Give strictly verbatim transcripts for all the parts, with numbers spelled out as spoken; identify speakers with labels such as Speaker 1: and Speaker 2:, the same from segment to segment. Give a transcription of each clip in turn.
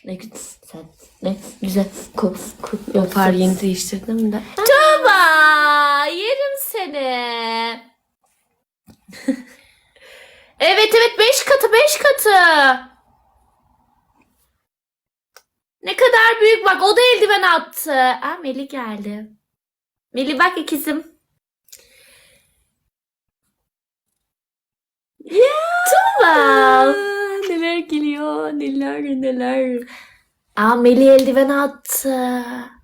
Speaker 1: Ne güzel. Ne güzel. Ko, ko,
Speaker 2: Yapar yeni değiştirdim de.
Speaker 1: Tuğba, yerim seni. Evet evet beş katı beş katı. Ne kadar büyük bak o da eldiven attı. Aa Melih geldi. Melih bak ikizim. Tuğba.
Speaker 2: Aa, neler geliyor, neler neler.
Speaker 1: Aa Melih eldiven attı.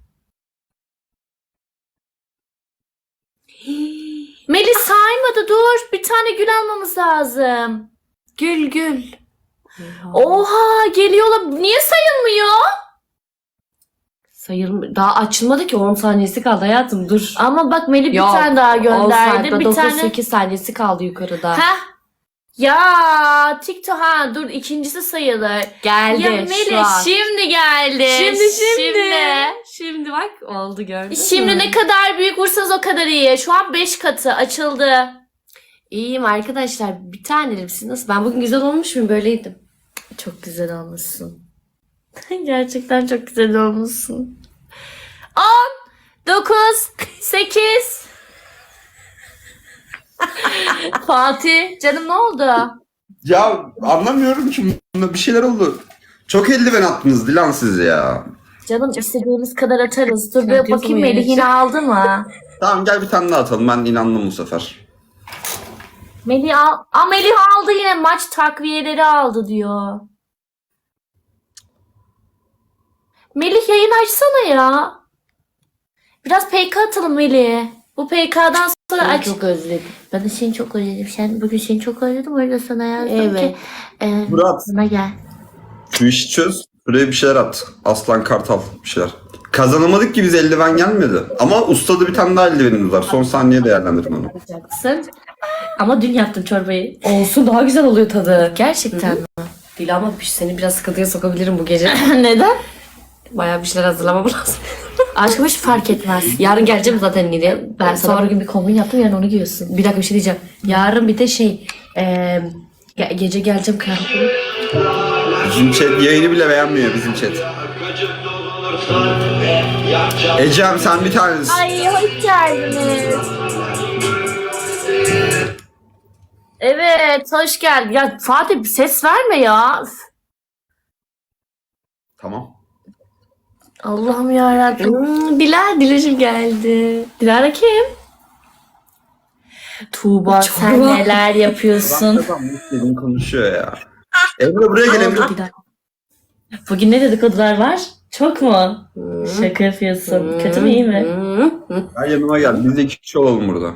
Speaker 1: Melih saymadı dur. Bir tane gül almamız lazım. Gül gül. Oha geliyorlar. Niye sayılmıyor?
Speaker 2: Sayılmıyor. Daha açılmadı ki on saniyesi kaldı hayatım dur.
Speaker 1: Ama bak Melih bir
Speaker 2: Yok,
Speaker 1: tane daha
Speaker 2: on
Speaker 1: gönderdi.
Speaker 2: sayfa,
Speaker 1: Bir
Speaker 2: dokuz
Speaker 1: tane.
Speaker 2: sekiz saniyesi kaldı yukarıda.
Speaker 1: Heh. Ya TikTok ha dur ikincisi sayılır.
Speaker 2: Geldi
Speaker 1: Ya
Speaker 2: şu
Speaker 1: Melih
Speaker 2: an.
Speaker 1: şimdi geldi.
Speaker 2: Şimdi şimdi.
Speaker 1: Şimdi,
Speaker 2: Şimdi bak oldu gördün
Speaker 1: Şimdi
Speaker 2: mü?
Speaker 1: ne kadar büyük vursanız o kadar iyi. Şu an beş katı açıldı.
Speaker 2: İyiyim arkadaşlar. Bir tanem siz nasıl? Ben bugün güzel olmuş muyum? Böyleydim.
Speaker 1: Çok güzel olmuşsun. Gerçekten çok güzel olmuşsun. on, dokuz, sekiz. Fatih canım ne oldu?
Speaker 3: Ya anlamıyorum ki bunda bir şeyler oldu. Çok eldiven attınız Dilan siz ya.
Speaker 1: Canım istediğimiz kadar atarız. Dur
Speaker 2: Sen
Speaker 1: bir
Speaker 2: diyorsun
Speaker 1: bakayım
Speaker 2: bu
Speaker 1: Melih
Speaker 2: yani.
Speaker 1: yine aldı mı?
Speaker 3: Tamam gel bir tane daha atalım. Ben inandım bu sefer.
Speaker 1: Melih al. Aa, Melih aldı yine maç takviyeleri aldı diyor. Melih yayın açsana ya. Biraz P K atalım Melih. Bu P K'dan sonra
Speaker 2: Ben
Speaker 1: aç.
Speaker 2: çok özledim.
Speaker 1: Ben de seni çok özledim. Sen bugün seni çok özledim. O yüzden sana yazdım
Speaker 2: Evet.
Speaker 1: ki. E,
Speaker 3: Murat.
Speaker 1: bana gel.
Speaker 3: Şu işi çöz. Buraya bir şeyler at. Aslan Kartal bir şeyler. Kazanamadık ki biz eldiven gelmedi. Ama ustada bir tane daha eldivenimiz var. Son saniye değerlendirin onu.
Speaker 1: Yapacaksın. Ama dün yaptım çorbayı.
Speaker 2: Olsun daha güzel oluyor tadı.
Speaker 1: Gerçekten mi?
Speaker 2: Değil ama seni biraz sıkıntıya sokabilirim bu gece.
Speaker 1: Neden?
Speaker 2: Bayağı bir şeyler hazırlamam lazım.
Speaker 1: Aşkım hiç fark etmez.
Speaker 2: Yarın geleceğim zaten yine.
Speaker 1: Ben
Speaker 2: Ben
Speaker 1: sana
Speaker 2: sonra
Speaker 1: bugün bir kombin yaptım yarın onu giyiyorsun.
Speaker 2: bir dakika bir şey diyeceğim. Yarın bir de şey eee, ge- gece geleceğim kıyafetimi.
Speaker 3: Bizim chat yayını bile beğenmiyor bizim chat. Ecem sen bir tanesin.
Speaker 1: Ay hoş geldiniz. Evet hoş geldin. Ya Fatih bir ses verme ya. Üf.
Speaker 3: Tamam.
Speaker 1: Allah'ım yarabbim.
Speaker 2: Hmm, Dilara Dilara'cığım geldi.
Speaker 1: Dilara kim? Tuğba
Speaker 2: Çok
Speaker 1: sen
Speaker 2: var.
Speaker 1: neler yapıyorsun?
Speaker 3: Kazanmış dediğini konuşuyor ya. Emre buraya gel Emre.
Speaker 2: Bir dakika.
Speaker 1: Bugün ne dedikodular var? Çok mu?
Speaker 2: Hmm.
Speaker 1: Şaka yapıyorsun. Kötü mü iyi mi?
Speaker 2: Hmm, hmm.
Speaker 3: Gel yanıma gel. Biz de iki kişi olalım burada.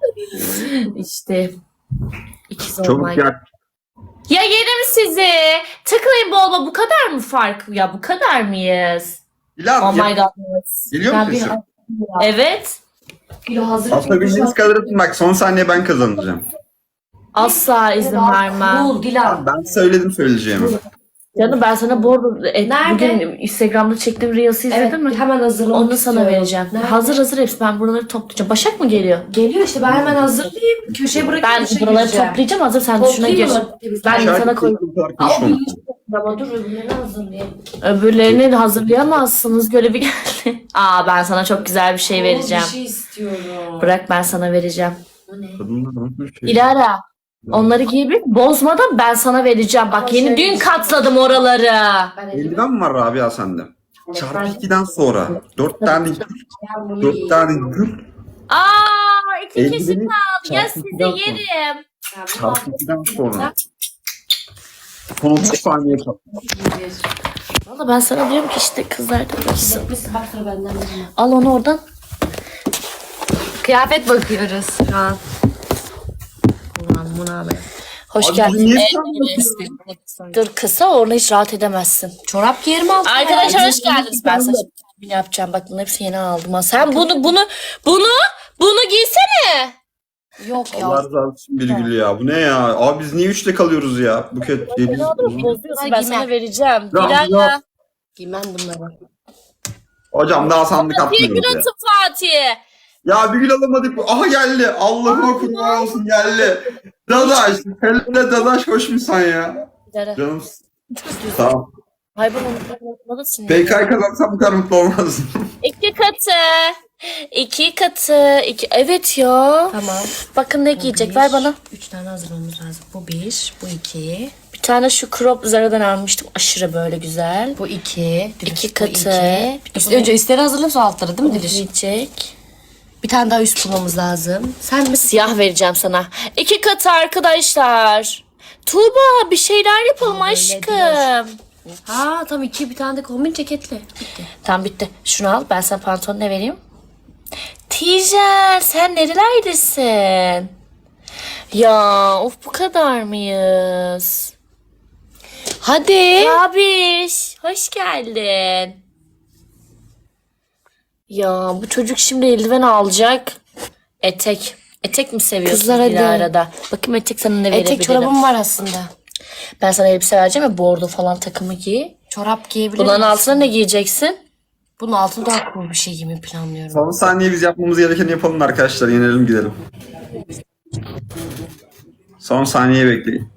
Speaker 1: İşte ikiz
Speaker 3: Çabuk
Speaker 1: olmak.
Speaker 3: gel.
Speaker 1: Ya yerim sizi. Tıklayın bol bol. Bu kadar mı fark? Ya bu kadar mıyız?
Speaker 3: Dilan
Speaker 1: Oh
Speaker 3: gel.
Speaker 1: my god.
Speaker 3: Geliyor
Speaker 2: Ben
Speaker 3: mu
Speaker 2: bir-
Speaker 3: sesin?
Speaker 1: Evet.
Speaker 2: Kilo hazır.
Speaker 3: Atabildiğiniz kadar atın bak son saniye ben kazanacağım.
Speaker 1: Asla izin vermem.
Speaker 2: Cool Dilan.
Speaker 3: Ben söyledim söyleyeceğimi.
Speaker 1: Canım ben sana bu arada e,
Speaker 2: Nerede?
Speaker 1: bugün Instagram'da çektiğim Reels'i izledin
Speaker 2: Evet
Speaker 1: mi?
Speaker 2: hemen hazırlamak
Speaker 1: Onu sana
Speaker 2: istiyorum.
Speaker 1: vereceğim.
Speaker 2: Nerede?
Speaker 1: Hazır hazır hepsi. Ben buraları toplayacağım. Başak mı geliyor?
Speaker 2: Geliyor işte ben hemen hazırlayayım. Köşeye bırakıp
Speaker 1: Ben
Speaker 2: işe
Speaker 1: buraları
Speaker 2: gireceğim.
Speaker 1: toplayacağım. Hazır sen şuna gir. Ben
Speaker 3: Şarkı
Speaker 1: sana koy.
Speaker 3: sözü kadar
Speaker 2: Ama
Speaker 3: konuşmamak.
Speaker 2: Ama dur öbürlerini hazırlayayım.
Speaker 1: Öbürlerini de hazırlayamazsınız. Görevi geldi. Aa ben sana çok güzel bir şey vereceğim.
Speaker 2: Bir şey istiyorum.
Speaker 1: Bırak ben sana vereceğim.
Speaker 2: Bu ne?
Speaker 3: Kadınlar nasıl bir şey?
Speaker 1: Dilara onları giyebilir bozmadan ben sana vereceğim. Bak
Speaker 2: Ama
Speaker 1: yeni
Speaker 2: şey-
Speaker 1: dün katladım oraları.
Speaker 2: Ben elime
Speaker 3: Eldiven mi var Rabia sende? Çarpı ikiden sonra. Dört tane gül.
Speaker 2: bunu
Speaker 3: Dört
Speaker 2: giyeyim.
Speaker 3: tane gül.
Speaker 1: Aa iki kişi
Speaker 3: Eldiveni
Speaker 1: kaldı. Ya
Speaker 3: çarpı
Speaker 1: sizi
Speaker 3: ikiden sonra.
Speaker 1: yerim.
Speaker 2: Ben bunu
Speaker 3: Çarpı ikiden sonra. Son otuz saniye kaldı.
Speaker 2: giyeyim.
Speaker 1: Valla ben sana diyorum ki işte kızlar da baksın.
Speaker 2: Biz bak sıra benden de.
Speaker 1: Al onu oradan.
Speaker 2: Kıyafet bakıyoruz şu an.
Speaker 1: Ulan buna be. Hoş
Speaker 3: Abi
Speaker 1: geldin.
Speaker 3: niye
Speaker 1: Ee,
Speaker 3: sen bakıyorsun?
Speaker 1: Dur kısa orada hiç rahat edemezsin.
Speaker 2: Çorap giyerim altına.
Speaker 1: Arkadaşlar
Speaker 2: ya.
Speaker 1: hoş geldiniz. Ben sana şimdi yapacağım. Bak bunların hepsini yeni aldım. Ha. Sen bunu bunu bunu bunu giysene.
Speaker 2: Yok ya.
Speaker 3: Allah razı olsun bir gül ya. Bu ne ya? Abi biz niye üçte kalıyoruz ya? Buket diye biz.
Speaker 1: Ne olur bozuyorsun.
Speaker 2: Ben
Speaker 1: Ben sana
Speaker 2: giymem.
Speaker 1: vereceğim.
Speaker 3: Ya,
Speaker 1: Dilara.
Speaker 3: ya.
Speaker 2: Giymem bunları.
Speaker 3: Hocam daha sandık
Speaker 1: Bir
Speaker 3: atmıyoruz
Speaker 1: gün
Speaker 3: ya.
Speaker 1: atın Fatih.
Speaker 3: Ya bir gül alamadık. Aha geldi. Allah'ıma kurban olsun geldi. Dadaş. Hele Dadaş hoş musun ya?
Speaker 1: Dilara.
Speaker 3: Canım. Tamam.
Speaker 1: Ay ben unutmalısın.
Speaker 3: P K'yı kazansam bu kadar mutlu olmazdım.
Speaker 1: İki katı. İki katı. İki... Evet ya.
Speaker 2: Tamam.
Speaker 1: Bakın ne
Speaker 2: Bu
Speaker 1: giyecek.
Speaker 2: bir.
Speaker 1: Ver bana.
Speaker 2: Üç tane hazırlamamız lazım. Bu bir, bu iki,
Speaker 1: Bir tane şu crop Zara'dan almıştım. Aşırı böyle güzel.
Speaker 2: bu iki. Diliş,
Speaker 1: İki
Speaker 2: bu
Speaker 1: katı.
Speaker 2: iki.
Speaker 1: Bir de
Speaker 2: Üst-
Speaker 1: bunu-
Speaker 2: önce üstleri hazırlayıp sonra altları değil mi Diliş?
Speaker 1: Giyecek.
Speaker 2: Bir tane daha üst bulmamız lazım. Sen mi?
Speaker 1: Siyah vereceğim sana. İki katı arkadaşlar. Tuğba bir şeyler yapalım
Speaker 2: Öyle
Speaker 1: aşkım.
Speaker 2: Ha tam iki bir tane de kombin ceketli. Bitti.
Speaker 1: Tamam bitti. Şunu al. Ben sana pantolon ne vereyim? Tijen sen nerelerdesin? Ya of bu kadar mıyız?
Speaker 2: Hadi.
Speaker 1: Abiş hoş geldin. Ya bu çocuk şimdi eldiven alacak. Etek. Etek mi seviyorsun
Speaker 2: Kızlar hadi.
Speaker 1: Dilara'da? Bakayım etek sana ne verebilirim.
Speaker 2: Etek çorabım var aslında.
Speaker 1: Ben sana elbise vereceğim ya bordo falan takımı giy.
Speaker 2: Çorap giyebilirim.
Speaker 1: Bunların altına ne giyeceksin?
Speaker 2: Bunun altına daha cool bir şey giymeyi planlıyorum.
Speaker 3: Son saniye biz yapmamız gerekeni yapalım arkadaşlar. Yenelim gidelim. Son saniye bekleyin.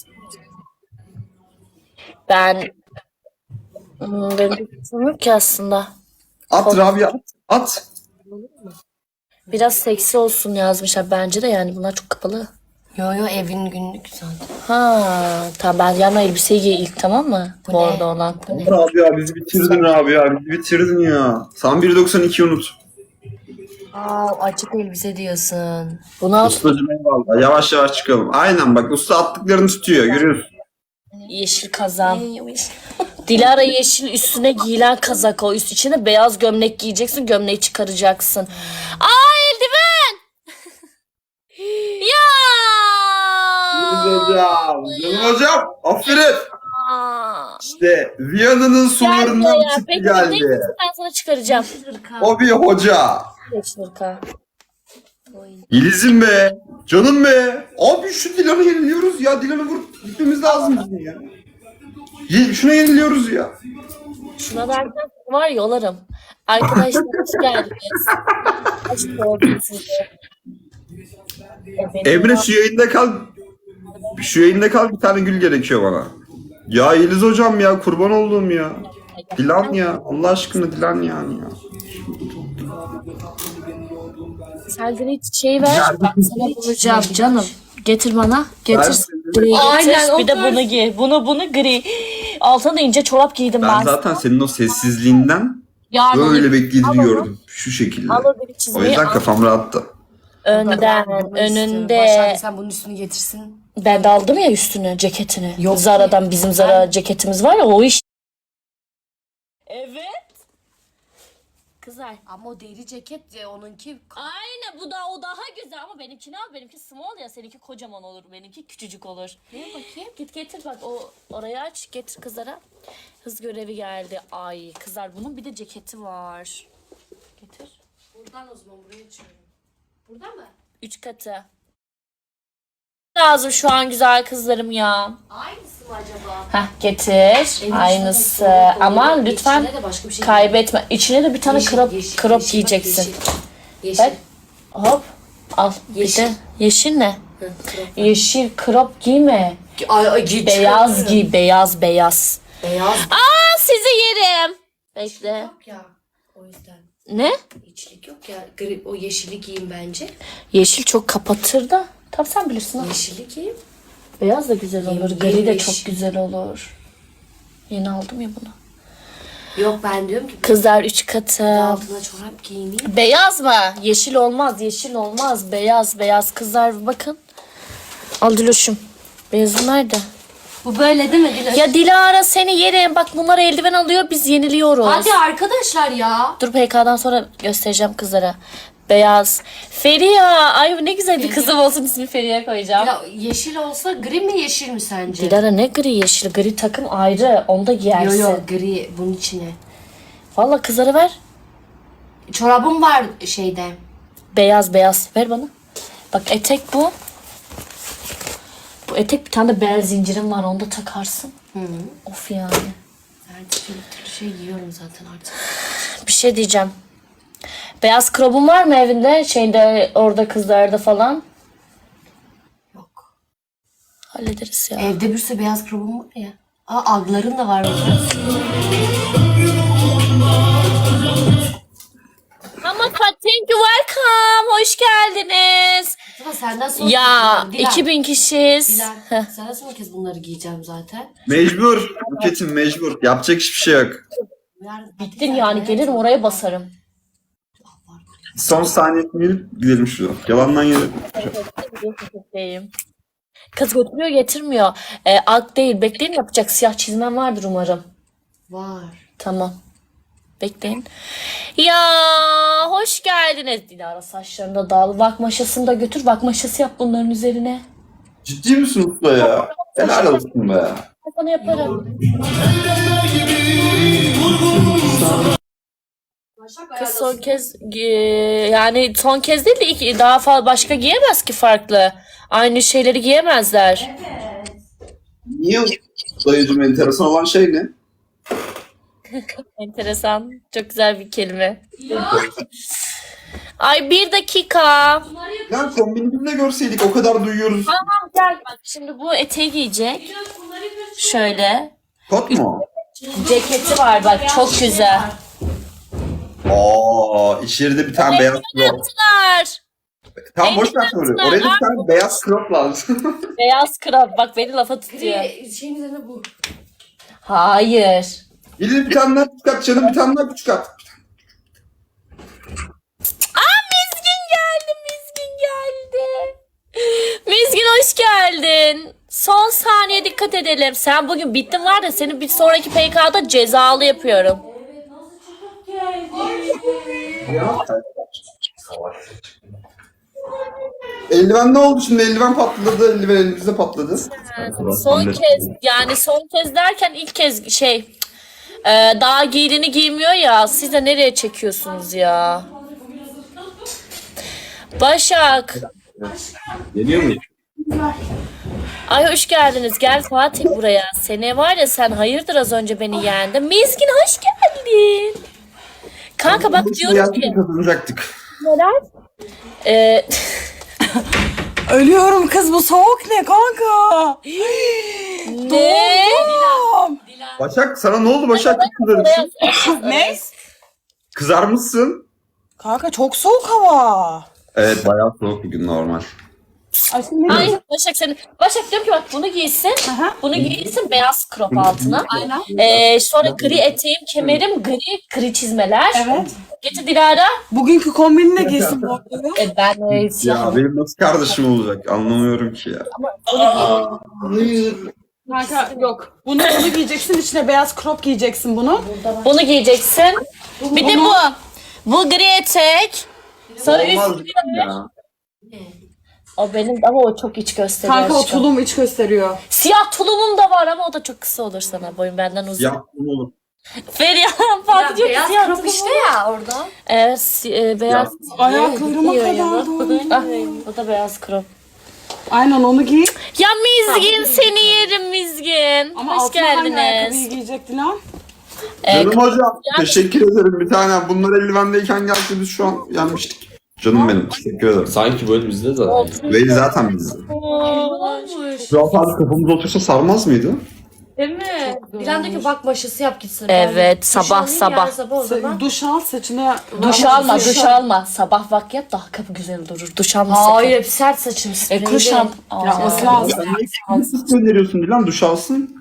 Speaker 1: Ben Hmm, benim bir fikrim yok ki aslında.
Speaker 3: At Rabia at. At.
Speaker 1: Biraz seksi olsun yazmışlar bence de yani bunlar çok kapalı.
Speaker 2: Yo yo evin günlük zaten.
Speaker 1: Ha tamam ben yarın elbiseyi giy ilk tamam mı?
Speaker 2: Bu
Speaker 1: Bordo
Speaker 2: ne?
Speaker 1: olan.
Speaker 3: Rabia bizi bitirdin Rabia. Bizi bitirdin ya. Sen bir doksan iki unut.
Speaker 2: Aa açık elbise diyorsun.
Speaker 1: Bunu al.
Speaker 3: Ustacım eyvallah. Yavaş yavaş çıkalım. Aynen bak usta attıklarını tutuyor. Görüyorsun.
Speaker 1: Yeşil kazan. Dilara yeşil üstüne giyilen kazak o. Üst içine beyaz gömlek giyeceksin. Gömleği çıkaracaksın. Aa eldiven. Ya.
Speaker 3: Hocam. Canım hocam. Aferin.
Speaker 1: Aa.
Speaker 3: İşte Viyana'nın
Speaker 1: Gel
Speaker 3: sularından
Speaker 1: buraya.
Speaker 3: çıktı
Speaker 1: Peki
Speaker 3: geldi.
Speaker 1: neyse ben sana çıkaracağım.
Speaker 3: O bir hoca.
Speaker 1: Yeşil hırka.
Speaker 3: Yeliz'im be. Canım be. Abi şu Dilan'ı yeniliyoruz ya. Dilan'ı vurup gitmemiz lazım bizim ya. Ye- şuna yeniliyoruz ya.
Speaker 1: Şuna versen var ya yolarım. Arkadaşlar hoş geldiniz. Hoş gördüm sizi. Evet.
Speaker 3: Emre şu yayında kal. Şu yayında kal bir tane gül gerekiyor bana. Ya Yeliz hocam ya kurban olduğum ya. Dilan ya. Allah aşkına Dilan yani ya.
Speaker 1: Sen gri çiçeği ver. Ben sana bulacağım canım. Getir bana. Getir.
Speaker 3: Ben-
Speaker 1: Gri getir.
Speaker 2: Aynen,
Speaker 1: bir de
Speaker 2: otur.
Speaker 1: bunu giy. Bunu bunu gri. Altına da ince çorap giydim ben.
Speaker 3: Ben zaten senin o sessizliğinden
Speaker 1: Yarın
Speaker 3: böyle
Speaker 1: onu
Speaker 3: beklediğini
Speaker 1: al onu.
Speaker 3: gördüm. Şu şekilde.
Speaker 1: Al o gri
Speaker 3: O
Speaker 1: çizmeyi.
Speaker 3: yüzden
Speaker 1: al.
Speaker 3: kafam rahattı.
Speaker 1: Önden,
Speaker 2: Bunu istiyorum.
Speaker 1: önünde.
Speaker 2: Başak sen bunun üstünü getirsin.
Speaker 1: Ben de aldım ya üstünü, ceketini.
Speaker 2: Yok.
Speaker 1: Zara'dan bizim Zara ceketimiz var ya o iş. Evet. Kızlar.
Speaker 2: Ama o deri ceket ya onunki.
Speaker 1: Aynen bu da o daha güzel ama benimkini al. Benimki small ya seninki kocaman olur. Benimki küçücük olur. Ne bakayım? Git getir bak o orayı aç getir kızlara. Hız görevi geldi. Ay kızlar bunun bir de ceketi var. Getir.
Speaker 2: Buradan o zaman buraya açıyorum. Burada mı?
Speaker 1: Üç katı. Lazım şu an güzel kızlarım ya.
Speaker 2: Aynısı mı acaba?
Speaker 1: Heh getir. Aynısı. Ama lütfen
Speaker 2: İçine de başka bir şey
Speaker 1: kaybetme. İçine de bir tane
Speaker 2: Yeşil,
Speaker 1: crop,
Speaker 2: yeşil,
Speaker 1: crop
Speaker 2: yeşil,
Speaker 1: giyeceksin.
Speaker 2: bak, Yeşil.
Speaker 1: Bak. Hop. Al.
Speaker 2: Yeşil.
Speaker 1: Bir de yeşil ne?
Speaker 2: Hı, crop.
Speaker 1: Yeşil crop giyme.
Speaker 2: Ay, ay, giy,
Speaker 1: Beyaz
Speaker 2: çıkarıyorum.
Speaker 1: giy. Beyaz beyaz.
Speaker 2: Beyaz
Speaker 1: Aa sizi yerim. Bekle.
Speaker 2: yok ya. O yüzden.
Speaker 1: Ne?
Speaker 2: İçlik yok ya. Gri, o yeşili giyin bence.
Speaker 1: Yeşil çok kapatır da. Tabii sen bilirsin. ha.
Speaker 2: Yeşili giyin.
Speaker 1: Beyaz da güzel olur.
Speaker 2: Yem-
Speaker 1: Gri de
Speaker 2: yeşil.
Speaker 1: çok güzel olur. Yeni aldım ya bunu.
Speaker 2: Yok ben diyorum ki
Speaker 1: Kızlar üç katı.
Speaker 2: altına çorap giyineyim.
Speaker 1: Beyaz mı? Yeşil olmaz, yeşil olmaz. Beyaz, beyaz. Kızlar bakın. Al Diloş'um. Beyazın nerede?
Speaker 2: Bu böyle değil mi Diloş?
Speaker 1: Ya Dilara seni yerim. Bak bunlar eldiven alıyor, biz yeniliyoruz.
Speaker 2: Hadi arkadaşlar ya.
Speaker 1: Dur P K'dan sonra göstereceğim kızlara. Beyaz. Feriha. Ay ne güzel bir kızım olsun ismi Feriha koyacağım.
Speaker 2: Ya yeşil olsa gri mi yeşil mi sence?
Speaker 1: Dilara ne gri yeşil? Gri takım ayrı. Onu da
Speaker 2: Yo
Speaker 1: giyersin.
Speaker 2: yo gri bunun içine.
Speaker 1: Valla kızlara ver.
Speaker 2: Çorabım var şeyde.
Speaker 1: Beyaz beyaz. Ver bana. Bak etek bu. Bu etek bir tane de bel zincirim var. Onu da takarsın.
Speaker 2: Hı hı.
Speaker 1: Of yani.
Speaker 2: Ben bir şey giyiyorum zaten artık.
Speaker 1: Bir şey diyeceğim. Beyaz krobun var mı evinde? Şeyde orada kızlarda falan.
Speaker 2: Yok.
Speaker 1: Hallederiz ya.
Speaker 2: Evde bir sürü beyaz krobum var ya. Aa agların da var burada.
Speaker 1: Ama thank you welcome. Hoş geldiniz.
Speaker 2: Ama senden sonra
Speaker 1: Ya
Speaker 2: Dilan,
Speaker 1: iki bin kişiyiz.
Speaker 2: Dilan,
Speaker 1: Heh.
Speaker 2: senden son kez bunları giyeceğim zaten.
Speaker 3: Mecbur. Buket'im mecbur. Yapacak hiçbir şey yok.
Speaker 2: Yarın-
Speaker 1: Bittin yani gelirim oraya basarım.
Speaker 3: Son saniyesini gelip gidelim şuradan. Yalandan yere.
Speaker 1: Deyim. Kız götürüyor getirmiyor. Ee, ak değil bekleyin yapacak siyah çizmem vardır umarım.
Speaker 2: Var.
Speaker 1: Tamam. Bekleyin. Ya hoş geldiniz. Dilara saçlarında dağıl. Vak maşasını da götür. Vak maşası yap bunların üzerine.
Speaker 3: Ciddi misin usta ya? Helal olsun be.
Speaker 1: Ben sana yaparım. Kız son kez gi- yani son kez değil de ilk, daha fazla başka giyemez ki farklı. Aynı şeyleri giyemezler.
Speaker 3: Niye dayıcım enteresan olan şey ne?
Speaker 1: Enteresan. Çok güzel bir kelime. Ay bir dakika.
Speaker 3: Ya kombinimizde görseydik o kadar duyuyoruz.
Speaker 1: Tamam gel bak şimdi bu eteği giyecek. Şöyle.
Speaker 3: Kot mu?
Speaker 1: Ceketi var bak çok güzel.
Speaker 3: Aa, içeride bir tane beyaz crop.
Speaker 1: Yaptılar.
Speaker 3: Tamam boş ver soruyu. Oraya da bir tane beyaz crop lazım.
Speaker 1: Beyaz krab bak beni lafa tutuyor.
Speaker 2: Bir şeyin üzerine bu.
Speaker 1: Hayır.
Speaker 3: Gelin bir tane daha küçük at canım, bir tane daha küçük at.
Speaker 1: Aa Mizgin geldi, Mizgin geldi. Mizgin hoş geldin. Son saniye dikkat edelim. Sen bugün bittin var da seni bir sonraki P K'da cezalı yapıyorum.
Speaker 3: Eldiven ne oldu şimdi? Eldiven patladı, eldiven elimizde patladı.
Speaker 1: Son kez yani son kez derken ilk kez şey e, daha giydiğini giymiyor ya. Siz de nereye çekiyorsunuz ya? Başak.
Speaker 3: Geliyor mu?
Speaker 1: Ay hoş geldiniz. Gel Fatih buraya. Sene var ya sen hayırdır az önce beni yendin. Mizgin hoş geldin. Kanka bak diyorum ki
Speaker 3: kazanacaktık.
Speaker 1: neler? Ee,
Speaker 4: Ölüyorum kız, bu soğuk ne kanka?
Speaker 1: ne?
Speaker 4: Tamam.
Speaker 3: Başak sana ne oldu Başak? Kızarmışsın.
Speaker 4: Ne?
Speaker 3: Kızarmışsın.
Speaker 4: Kanka çok soğuk hava.
Speaker 3: Evet bayağı soğuk bugün normal.
Speaker 4: Ay şimdi ne
Speaker 1: Ay
Speaker 4: diyeceğim?
Speaker 1: Başak seni. Başak diyorum ki bak bunu giysin.
Speaker 4: Aha.
Speaker 1: Bunu giysin beyaz crop altına.
Speaker 4: Aynen.
Speaker 1: Ee, sonra gri eteğim, kemerim, gri gri çizmeler.
Speaker 4: Evet.
Speaker 1: Getir Dilara.
Speaker 4: Bugünkü kombini ne giysin bu arada?
Speaker 1: E, ben de
Speaker 3: Ya
Speaker 1: siyah.
Speaker 3: benim nasıl kardeşim olacak anlamıyorum ki ya. Hayır.
Speaker 4: Kanka yok. Bunu bunu giyeceksin, içine beyaz crop giyeceksin bunu.
Speaker 1: Bunu giyeceksin. Bir de bu. Bu gri etek. Sonra
Speaker 3: Olmaz
Speaker 1: üstüne
Speaker 3: ya.
Speaker 1: o benim ama o çok iç gösteriyor.
Speaker 4: Kanka o
Speaker 1: aşkım.
Speaker 4: tulum iç gösteriyor.
Speaker 1: Siyah tulumum da var ama o da çok kısa olur sana. Boyun benden uzun.
Speaker 3: Ya ne olur.
Speaker 1: Feriha Fatih diyor ki
Speaker 2: Beyaz
Speaker 1: siyah
Speaker 2: crop
Speaker 1: tulumum
Speaker 2: işte
Speaker 1: var.
Speaker 2: ya orada.
Speaker 1: Evet si- e, beyaz.
Speaker 4: Ayaklarıma
Speaker 2: Gidiyor
Speaker 4: kadar
Speaker 2: yana.
Speaker 4: doğru.
Speaker 1: Ah, o da beyaz crop.
Speaker 4: Aynen onu giy.
Speaker 1: Ya Mizgin seni yerim Mizgin.
Speaker 4: Ama
Speaker 1: Hoş
Speaker 4: altına hangi ayakkabıyı
Speaker 1: geldiniz.
Speaker 4: giyecek Dilan?
Speaker 1: Ee,
Speaker 3: Canım hocam teşekkür ederim bir tane. Bunlar eldivendeyken gelse biz şu an yenmiştik. Canım benim teşekkür ederim.
Speaker 5: Sanki böyle bizde zaten.
Speaker 3: Veli zaten bizde. Şu an sadece kafamıza otursa sarmaz mıydı?
Speaker 1: Değil mi?
Speaker 2: Dilan diyor ki bak maşası yap gitsin.
Speaker 1: Evet,
Speaker 2: Duş
Speaker 1: sabah,
Speaker 2: alayım,
Speaker 1: sabah.
Speaker 2: yarın sabah o
Speaker 4: Sa-
Speaker 2: zaman.
Speaker 4: Duş al, saçını...
Speaker 1: Duş
Speaker 4: Ama
Speaker 1: alma,
Speaker 4: duş
Speaker 1: duş
Speaker 4: al.
Speaker 1: alma. Sabah vak yap daha kapı güzel durur. Duş alma sakın.
Speaker 2: Hayır hep sert saçım
Speaker 1: E,
Speaker 2: spreyli.
Speaker 1: kuş al.
Speaker 4: Yapması lazım.
Speaker 3: Ya niye siz öneriyorsun Dilan duş alsın?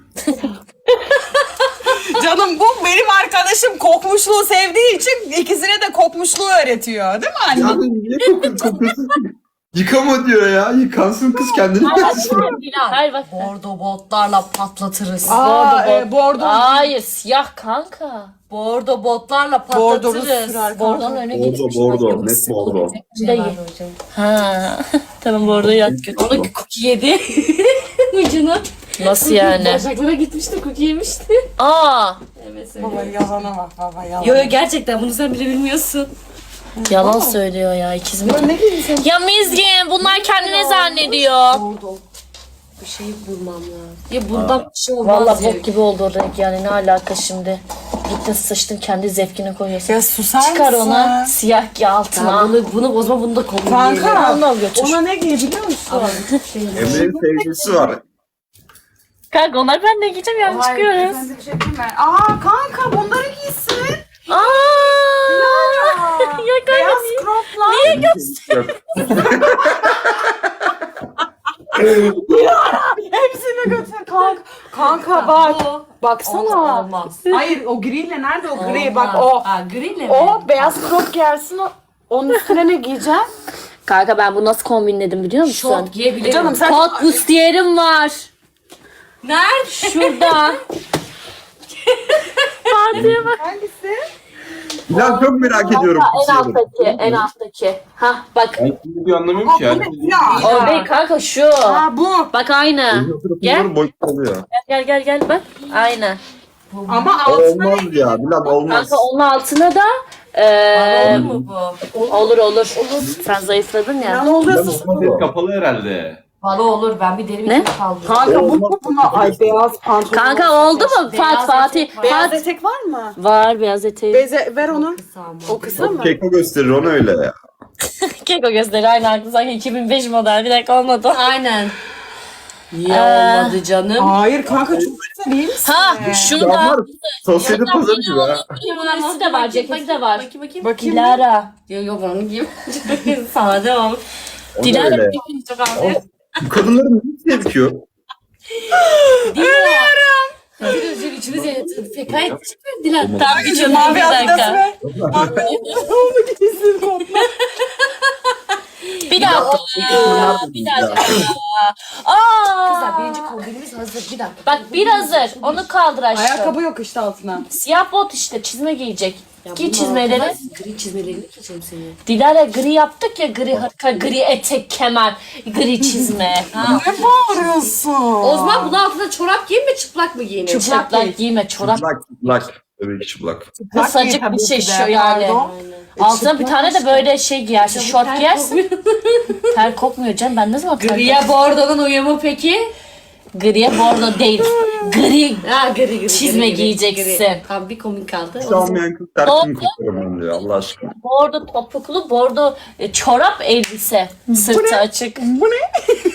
Speaker 4: Canım bu benim arkadaşım kokmuşluğu sevdiği için ikisine de kokmuşluğu öğretiyor. Değil mi anne?
Speaker 3: Yani niye kokuyorsun? kokuyorsun ki? Yıkama diyor ya. Yıkansın kız kendini.
Speaker 1: Hayır bak.
Speaker 2: Bordo botlarla patlatırız.
Speaker 4: Aa,
Speaker 1: Bordo
Speaker 4: e,
Speaker 1: bot.
Speaker 4: bordo.
Speaker 1: Hayır siyah kanka.
Speaker 2: Bordo botlarla
Speaker 4: Bordoru
Speaker 2: patlatırız.
Speaker 4: sürer
Speaker 1: Bordonun
Speaker 4: kanka.
Speaker 1: önüne
Speaker 3: Bordo
Speaker 1: geçmiş.
Speaker 3: bordo. Net bordo.
Speaker 1: Dayı. Ha. Tamam bordo yak götür.
Speaker 2: Cookie yedi. Ucunu.
Speaker 1: Nasıl yani?
Speaker 2: Başaklara gitmişti, cookie yemişti.
Speaker 1: Aa.
Speaker 2: Evet
Speaker 4: Baba
Speaker 2: söyle.
Speaker 4: yalana bak baba yalana.
Speaker 2: Yo yo gerçekten bunu sen bile bilmiyorsun.
Speaker 1: Yalan söylüyor ya ikiz mi?
Speaker 4: Ne giydin sen?
Speaker 1: Ya Mizgin bunlar kendine zannediyor.
Speaker 2: Bordo. Bir şey bulmam lazım. Ya bundan bir şey olmaz
Speaker 1: Vallahi
Speaker 2: ya.
Speaker 1: bok gibi oldu o renk yani ne alaka şimdi. Gittin sıçtın kendi zevkine koyuyorsun.
Speaker 4: Ya susar
Speaker 1: Çıkar
Speaker 4: mısın?
Speaker 1: ona siyah giy altına.
Speaker 2: Ben bunu, bunu bozma bunu da kombin
Speaker 4: Kanka
Speaker 1: Onu al götür.
Speaker 4: ona ne giy biliyor musun?
Speaker 3: Emre'nin sevgilisi var.
Speaker 1: Kanka onlar ben ne giyeceğim yani çıkıyoruz.
Speaker 4: Ben de bir şey diyeyim mi? Aa kanka bunları giysin.
Speaker 1: Aa! Ya kanka
Speaker 4: Beyaz
Speaker 1: niye?
Speaker 4: croplar.
Speaker 1: Niye göster?
Speaker 4: Hepsini götür kanka. Kanka bak. Baksana.
Speaker 2: Olmaz.
Speaker 4: Hayır o griyle nerede o gri?
Speaker 2: Olmaz.
Speaker 4: Bak o.
Speaker 2: Ha, griyle mi?
Speaker 4: O beyaz crop giyersin o. Onun üstüne ne giyeceksin?
Speaker 1: Kanka ben bunu nasıl kombinledim biliyor musun?
Speaker 2: Şort giyebilirim.
Speaker 4: Canım sen
Speaker 1: Kot bustiyerim var.
Speaker 2: Nerede?
Speaker 1: Şurada. Fatih'e bak.
Speaker 4: hangisi?
Speaker 3: Bilal çok merak ediyorum.
Speaker 1: En alttaki, en alttaki. Hah bak.
Speaker 5: Ben şimdi bir anlamıyorum ki.
Speaker 4: Bu ne ya?
Speaker 1: O değil kanka şu.
Speaker 4: Aa bu.
Speaker 1: Bak aynı. Gel.
Speaker 3: Boyut oluyor.
Speaker 1: Gel gel gel bak. Aynı.
Speaker 4: Ama altına
Speaker 3: Olmaz ya Bilal olmaz.
Speaker 1: Kanka onun altına da eee
Speaker 2: Olur mu bu?
Speaker 1: olur olur. Sen zayıfladın ya.
Speaker 4: ne oluyorsun?
Speaker 5: Ses kapalı herhalde.
Speaker 2: Bana olur. Ben bir deri bir
Speaker 1: Ne?
Speaker 2: şey kaldırırım.
Speaker 4: Kanka bu mu buna? Ay beyaz pantolon.
Speaker 1: Kanka oldu mu?
Speaker 2: Beyaz
Speaker 1: Fat Fatih.
Speaker 2: etek var.
Speaker 4: Beyaz
Speaker 1: Fat
Speaker 4: etek var mı?
Speaker 1: var beyaz eteği.
Speaker 4: Beze ver onu.
Speaker 2: Tamam.
Speaker 4: O kısa mı?
Speaker 3: Keko gösterir onu öyle ya.
Speaker 1: Keko gösteri aynı aklı sanki iki bin beş model. Bir dakika olmadı.
Speaker 2: Aynen. Niye
Speaker 1: Ee,
Speaker 2: olmadı canım?
Speaker 4: Hayır kanka çok güzel değil misin?
Speaker 1: Ha şunu
Speaker 3: Ya
Speaker 1: da.
Speaker 3: var. Sosyete pazarı gibi ha.
Speaker 1: Üstü de var, ceketi de var.
Speaker 2: Bakayım bakayım.
Speaker 4: Bakayım.
Speaker 1: Dilara.
Speaker 2: Yok yok onu giyeyim. Sade ol.
Speaker 3: O da
Speaker 1: Dilara
Speaker 3: öyle.
Speaker 2: Çok az.
Speaker 3: Bu kadınların ne tepkiyor?
Speaker 2: Özür özür içimiz yanıtı. Fekayet çıkmıyor Dilan.
Speaker 1: Tamam geçiyorum
Speaker 4: Mavi
Speaker 1: bir
Speaker 4: adidas
Speaker 1: dakika.
Speaker 4: ver. Onu giysin o.
Speaker 1: Bir dakika. Bir dakika. Aa.
Speaker 2: Kızlar birinci kombinimiz hazır. Bir dakika.
Speaker 1: Bak bir hazır. Onu kaldır aşkım.
Speaker 4: Ayakkabı yok işte altına.
Speaker 1: Siyah bot işte çizme giyecek. Giy çizmeleri.
Speaker 2: Gri çizmelerini giyeceğim seni.
Speaker 1: Dilara gri yaptık ya gri hırka, gri etek, kemer, gri çizme.
Speaker 2: Ha.
Speaker 4: Ne bağırıyorsun?
Speaker 2: O zaman bunun altına çorap giyeyim mi çıplak mı giyeyim?
Speaker 1: Çıplak giyme, çorap
Speaker 3: Çıplak çıplak. Tabii ki çıplak.
Speaker 1: kısacık
Speaker 4: tabii
Speaker 1: bir
Speaker 4: ki
Speaker 1: şey
Speaker 4: de,
Speaker 1: şu yani.
Speaker 4: pardon.
Speaker 1: Altına bir tane de böyle şey giyersin, şort giyersin. Ter kokmuyor canım, ben ne zaman ter
Speaker 2: Griye bordo'nun uyumu peki?
Speaker 1: Griye bordo değil, gri.
Speaker 2: Ha gri gri.
Speaker 1: Çizme
Speaker 2: gri, gri,
Speaker 1: giyeceksin.
Speaker 2: gri. Tamam bir komik kaldı.
Speaker 3: Hiç almayan kız terkini koparım diyor Allah aşkına.
Speaker 1: Bordo topuklu, bordo e, çorap elbise, sırtı açık.
Speaker 4: Bu ne?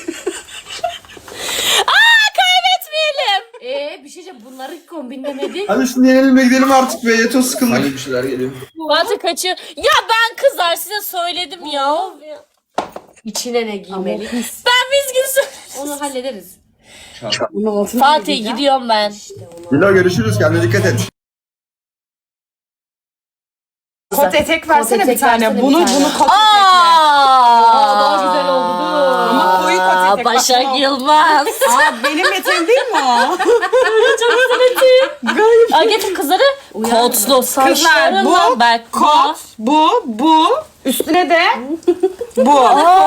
Speaker 1: Aa kaybetmeyelim.
Speaker 2: Eee bir şey diyeceğim bunları kombinlemedik.
Speaker 3: Hadi şimdi yenilme gidelim artık be yeter sıkıldık. Hangi bir şeyler geliyor?
Speaker 1: Fatih kaçıyor. Ya ben kızlar size söyledim ya.
Speaker 2: İçine ne giymeli?
Speaker 1: Ben vizgin
Speaker 2: Onu hallederiz.
Speaker 4: Bunun altına
Speaker 1: Fatih gidiyorum ben.
Speaker 3: Dilo görüşürüz kendine dikkat et.
Speaker 4: Kot etek versene
Speaker 2: etek
Speaker 4: bir tane.
Speaker 2: versene bir
Speaker 4: Bunu
Speaker 2: tane.
Speaker 4: bunu kot etekle.
Speaker 1: Aa,
Speaker 2: daha güzel oldu bu.
Speaker 4: Ama koyu kot etek.
Speaker 1: Başak
Speaker 4: Bak,
Speaker 1: Yılmaz.
Speaker 4: Aa benim eteğim değil mi o?
Speaker 1: Çok güzel eteğim. Aa, getir kızları. Kotlu
Speaker 4: Kızlar
Speaker 1: saçlarından
Speaker 4: bu
Speaker 1: bak.
Speaker 4: kot, bu, bu. Üstüne de bu.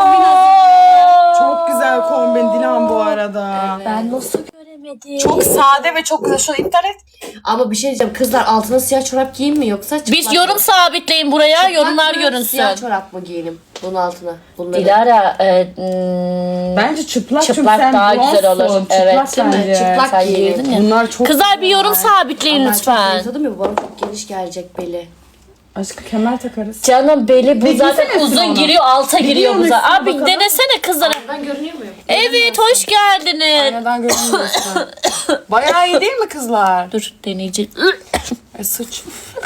Speaker 4: Çok güzel kombin Dilan bu arada.
Speaker 1: Ben nasıl göremedim?
Speaker 4: Çok sade ve çok güzel. Şunu iptal et.
Speaker 2: Ama bir şey diyeceğim kızlar altına siyah çorap giyeyim mi yoksa çıplak
Speaker 1: Biz yorum sabitleyin buraya,
Speaker 2: Çıplak
Speaker 1: yorumlar
Speaker 2: mı,
Speaker 1: görünsün.
Speaker 2: Siyah çorap mı giyelim bunun altına? Bunları.
Speaker 1: Dilara, e, hmm,
Speaker 4: Bence çıplak, çünkü
Speaker 1: çıplak
Speaker 4: sen
Speaker 1: daha güzel olur.
Speaker 4: blondsun.
Speaker 1: Evet,
Speaker 4: Çıplak
Speaker 2: değil mi?
Speaker 4: bence.
Speaker 2: Çıplak
Speaker 1: sen
Speaker 2: giyelim.
Speaker 1: giydin ya.
Speaker 4: Bunlar çok
Speaker 1: Kızlar bir yorum sabitleyin
Speaker 2: Ama ben
Speaker 1: lütfen.
Speaker 2: çok zayıfladım ya bu bana çok geniş gelecek beli.
Speaker 4: Aşkı kemer takarız.
Speaker 1: Canım beli bu
Speaker 4: Bir
Speaker 1: zaten
Speaker 4: giysene
Speaker 1: uzun
Speaker 4: onu.
Speaker 1: giriyor, alta giriyor bu
Speaker 4: giyiyor
Speaker 1: zaten.
Speaker 4: musun
Speaker 1: Abi
Speaker 4: bakalım?
Speaker 1: denesene kızlara.
Speaker 2: Ben görünüyor muyum?
Speaker 1: Evet, hoş geldiniz.
Speaker 4: Neden görünmüyorsun? Bayağı iyi değil mi kızlar?
Speaker 1: Dur deneyeceğim.
Speaker 4: E sıç.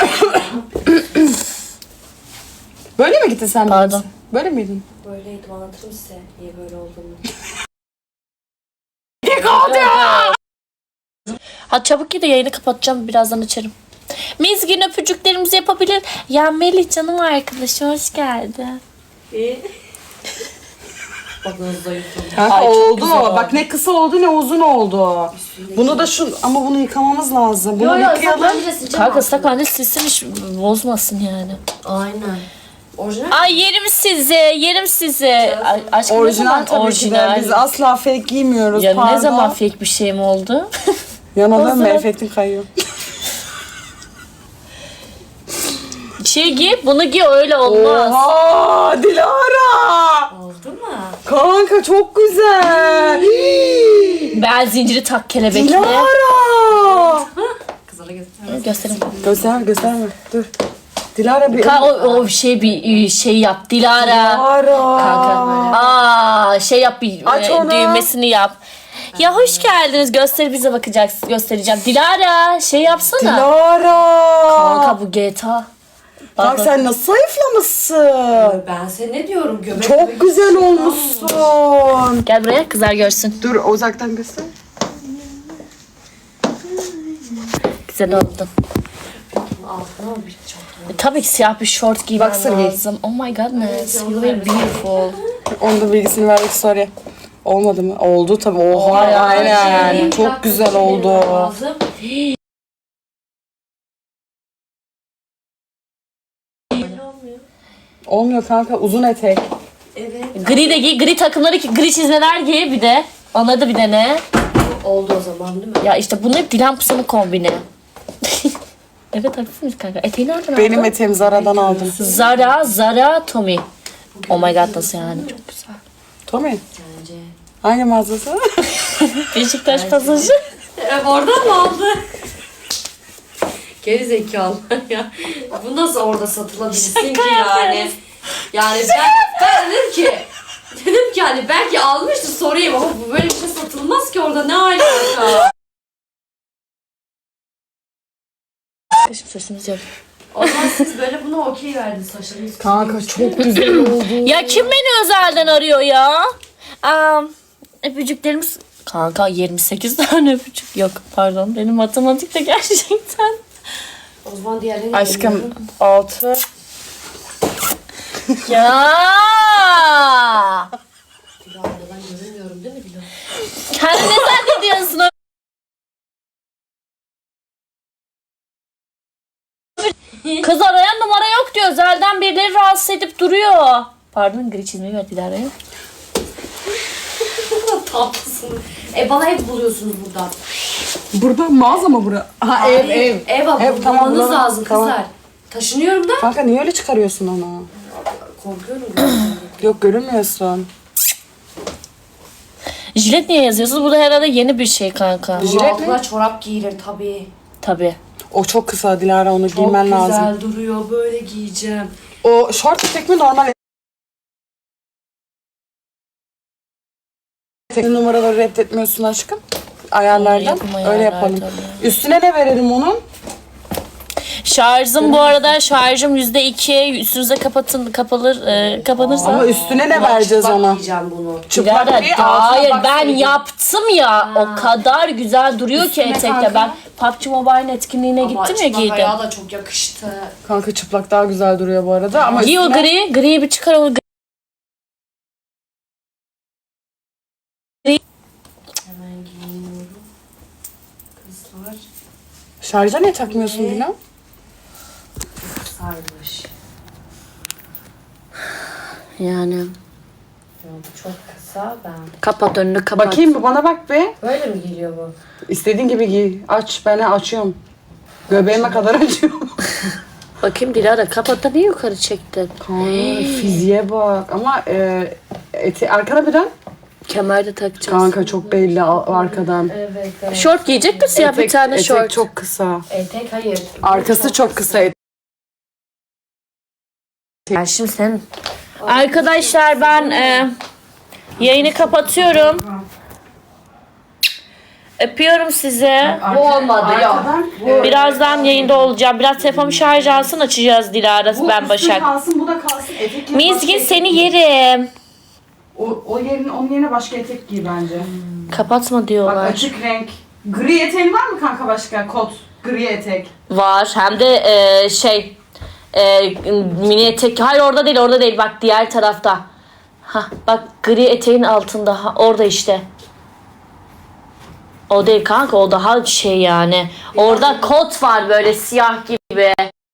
Speaker 4: Böyle mi gittin sen?
Speaker 1: Pardon.
Speaker 4: Böyle miydin?
Speaker 2: Böyleydim anlatırım size niye böyle olduğunu.
Speaker 1: Hadi çabuk gidin, yayını kapatacağım, birazdan açarım. Mizgin öpücüklerimizi yapabilir. Ya Melih canım arkadaşım, hoş geldin.
Speaker 2: Bak nasıl zayıfladım.
Speaker 4: Kanka
Speaker 1: Ay, çok
Speaker 4: oldu.
Speaker 1: güzel oldu.
Speaker 4: Bak ne kısa oldu ne uzun oldu. Bunu da şu ama bunu yıkamamız lazım. Bunu
Speaker 2: Yo yo
Speaker 4: yıkayalım.
Speaker 2: sen bence sileceğim.
Speaker 1: Kanka ıslak mendil silsin, hiç bozmasın yani.
Speaker 2: Aynen. Orijinal.
Speaker 1: Ay yerim sizi, yerim sizi. Ay, aşkım ne
Speaker 4: Orijinal
Speaker 1: zaman
Speaker 4: tabii
Speaker 1: orijinal?
Speaker 4: ki de. Biz asla fake giymiyoruz.
Speaker 1: Ya
Speaker 4: Pardon.
Speaker 1: ne zaman fake bir şey mi oldu?
Speaker 4: Yana
Speaker 1: O
Speaker 4: dönme
Speaker 1: zaman-
Speaker 4: efektin kayıyor.
Speaker 1: Şey giy, bunu giy, öyle olmaz.
Speaker 4: Oha Dilara.
Speaker 2: Oldu mu?
Speaker 4: Kanka çok güzel.
Speaker 1: Ben zinciri tak kelebekle.
Speaker 4: Dilara.
Speaker 2: Kızlara göster.
Speaker 1: Göstereyim.
Speaker 4: Göster gösterme. Dur. Dilara bir...
Speaker 1: Ka o, o şey bir şey yap Dilara.
Speaker 4: Dilara.
Speaker 1: Kanka. Aa şey yap bir
Speaker 4: Aç
Speaker 1: e,
Speaker 4: onu.
Speaker 1: düğmesini yap. Ya hoş geldiniz. Gösteri bize bakacaksın. Göstereceğim. Dilara şey yapsana.
Speaker 4: Dilara.
Speaker 1: Kanka bu G T A.
Speaker 4: Bak sen nasıl zayıflamışsın.
Speaker 2: Ben sana ne diyorum? Göbek
Speaker 4: Çok güzel olmuşsun.
Speaker 1: Gel buraya kızlar görsün.
Speaker 4: Dur uzaktan göster.
Speaker 1: Güzel oldun.
Speaker 2: altına bir çok.
Speaker 1: E, tabii ki siyah bir şort giymen
Speaker 4: Boxer giy.
Speaker 1: lazım. Oh my godness. You look beautiful.
Speaker 4: Onun da bilgisini verdik sorry. Olmadı mı? Oldu tabii. Oha
Speaker 1: Oha ya.
Speaker 4: aynen. Çok güzel oldu.
Speaker 2: Lazım.
Speaker 4: Olmuyor kanka uzun etek.
Speaker 2: Evet.
Speaker 1: Gri de giy. Gri takımları ki gri çizmeler giy bir de. Onları da bir dene.
Speaker 2: Oldu o zaman değil mi?
Speaker 1: Ya işte bunu hep Dilan Pusa'nın kombini. Evet haklısınız kanka. Eteği nereden
Speaker 4: Benim
Speaker 1: aldın?
Speaker 4: eteğim Zara'dan aldım.
Speaker 1: Zara, Zara, Tommy. Oh my god nasıl yani? Çok güzel.
Speaker 4: Tommy.
Speaker 2: Bence.
Speaker 4: Hangi mağazası?
Speaker 1: Beşiktaş pasajı.
Speaker 2: Evet oradan mı aldı? Geri zekalı ya. Bu nasıl orada satılabilsin ki yani? Yani ben, ben dedim ki dedim ki hani belki almıştı sorayım ama bu böyle bir şey satılmaz ki orada ne alaka?
Speaker 1: Bizim sesimiz yok.
Speaker 2: O zaman siz böyle buna okey verdiniz saçlarınız.
Speaker 4: Kanka çok güzel oldu.
Speaker 1: Ya kim beni özelden arıyor ya? Um, öpücüklerimiz... Kanka yirmi sekiz tane öpücük. Yok pardon benim matematikte gerçekten.
Speaker 2: O zaman diğerlerini
Speaker 4: Aşkım altı.
Speaker 1: Ya.
Speaker 2: Dilara'da ben görünmüyorum değil mi Dilara?
Speaker 1: Kendine zannediyorsun o. Kız arayan numara yok diyor. Özelden birileri rahatsız edip duruyor. Pardon gri çizmeyi ver Dilara'ya.
Speaker 2: Tatlısınız. E bana ev buluyorsunuz buradan.
Speaker 4: Burada mağaza mı bura? Ha ev ev.
Speaker 2: Ev al.
Speaker 4: Ev, tamam,
Speaker 2: Bulmanız
Speaker 4: bulalım.
Speaker 2: lazım
Speaker 4: Tamam.
Speaker 2: kızlar. Taşınıyorum da.
Speaker 4: Kanka niye öyle çıkarıyorsun onu?
Speaker 2: Korkuyorum.
Speaker 4: Yok görünmüyorsun.
Speaker 1: Jilet niye yazıyorsunuz? Bu da herhalde yeni bir şey kanka.
Speaker 2: Bunun
Speaker 4: Jilet
Speaker 2: altına çorap giyilir tabii.
Speaker 1: Tabii.
Speaker 4: O çok kısa Dilara onu
Speaker 2: Çok
Speaker 4: giymen
Speaker 2: güzel
Speaker 4: lazım.
Speaker 2: duruyor böyle giyeceğim.
Speaker 4: O şort etek mi normal etek numaraları reddetmiyorsun aşkım. Ayarlardan.
Speaker 1: Yapım
Speaker 4: Öyle
Speaker 1: ayarlar
Speaker 4: yapalım.
Speaker 1: tabii.
Speaker 4: Üstüne ne verelim onun?
Speaker 1: Şarjım bu arada şarjım yüzde iki. Üstünüze kapatın kapalır e, kapanırsa.
Speaker 4: Ama üstüne ne vereceğiz
Speaker 2: Çıplak
Speaker 4: ona?
Speaker 2: giyeceğim bunu.
Speaker 4: Çıplak
Speaker 1: Dilara,
Speaker 4: değil, altına
Speaker 1: hayır
Speaker 4: bak
Speaker 1: ben
Speaker 4: sevgilim.
Speaker 1: yaptım ya. O kadar güzel duruyor ki
Speaker 4: Üstüne
Speaker 1: etekte.
Speaker 4: kanka.
Speaker 1: Ben P U B G Mobile'in etkinliğine
Speaker 2: Ama
Speaker 1: gittim ya
Speaker 2: çıplak
Speaker 1: giydim.
Speaker 2: ayağı da çok yakıştı.
Speaker 4: Kanka çıplak daha güzel duruyor bu arada ama
Speaker 1: Giy o
Speaker 4: üstüne...
Speaker 1: gri. Griyi bir çıkar o gri.
Speaker 2: Hemen giyiniyorum. Kızlar
Speaker 4: Şarja niye takmıyorsun
Speaker 2: Ne?
Speaker 4: Dilan?
Speaker 2: sarmış.
Speaker 1: Yani.
Speaker 2: Ya bu çok kısa ben.
Speaker 1: Kapat önünü kapat.
Speaker 4: Bakayım bir bana bak be.
Speaker 2: Böyle mi geliyor bu?
Speaker 4: İstediğin gibi giy. Aç ben açıyorum. Göbeğime kadar açıyorum.
Speaker 1: Bakayım Dilara kapat da niye yukarı çektin?
Speaker 4: Kanka fiziğe bak ama e, eti, arkana bir dön.
Speaker 1: Kemer de takacağız.
Speaker 4: Kanka çok belli al- arkadan.
Speaker 2: Evet evet.
Speaker 1: Şort giyecek mi siyah bir tane
Speaker 4: etek
Speaker 1: şort?
Speaker 4: çok kısa.
Speaker 2: Etek hayır.
Speaker 4: Arkası çok kısa.
Speaker 1: Yani şimdi sen... Arkadaşlar ben e, yayını kapatıyorum. Öpüyorum sizi.
Speaker 2: Bu olmadı ya.
Speaker 1: Birazdan yayında olacağım. Biraz telefonumu şarj alsın açacağız Dilara ben Başak.
Speaker 4: kalsın bu da kalsın. Etek yerine
Speaker 1: Mizgin
Speaker 4: başka
Speaker 1: seni
Speaker 4: etek giy.
Speaker 1: yerim.
Speaker 4: O, o yerin, onun yerine başka etek giy bence.
Speaker 1: Kapatma
Speaker 4: Bak
Speaker 1: diyorlar.
Speaker 4: açık renk. Gri eteğin var mı kanka başka? Kot. Gri etek.
Speaker 1: Var hem de e, şey e, mini etek. Hayır orada değil orada değil bak diğer tarafta. Ha bak gri eteğin altında ha, orada işte. O değil kanka o daha şey yani. Orada kot var böyle siyah gibi.